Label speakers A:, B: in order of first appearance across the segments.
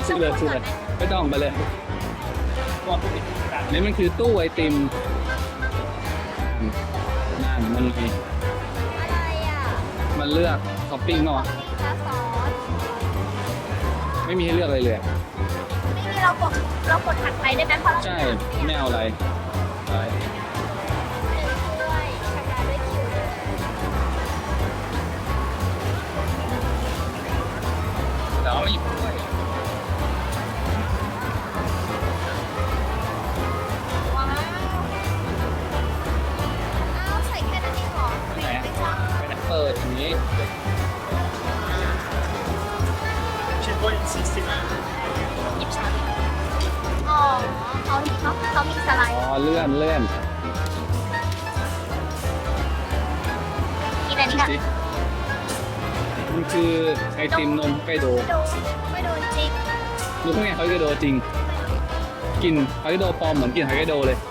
A: ซื้อเลยไม่ต้องไปเลยนี่มันคือตู้ไอติมนั่นมันมี
B: อะไรอ่ะ
A: มันเลือกท็อปปิ้งเนาะ
B: นี่คะซอส
A: ไม่มีให้เลือกอะไรเลย
B: ไม่มีเรากดถัดไปได้ไหมเพราะเรา
A: ใช่ไม่เอาอะไรไป
B: หนึ่งถ้วยชำระด้วยคิวเลย
A: แต่ว่าไม่หยิบด้วย
B: ว้าวอ้าวใส่แค่นั้นเองเหรอครีมไม่จ้า
A: ไปเปิดอย่างนี้
B: หยิบช้อนอ๋อเขามีสไลด์
A: อ๋อเลื่อน
B: กินอันนี้กัน
A: สิมันคือไอติมนมไกโด
B: ไม่โดนจริง
A: ดูข้างในไกโดจริงกลิ่นไกโดปลอมเหมือนกลิ่นไกโดเลย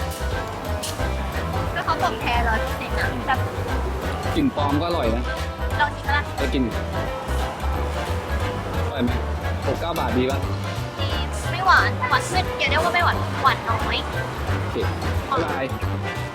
B: ก็เขาบอกแพ้100%นะแบบ
A: กลิ่นปลอมก็อร่อยนะ
B: ลองชิมละ
A: ไปกินอร่อยไหม69 บาทดีป่ะ
B: ไม่หวานขึ้นเดี๋ยวเรียกว่าไม่หวานน้อย
A: โอเคบ๊ายบาย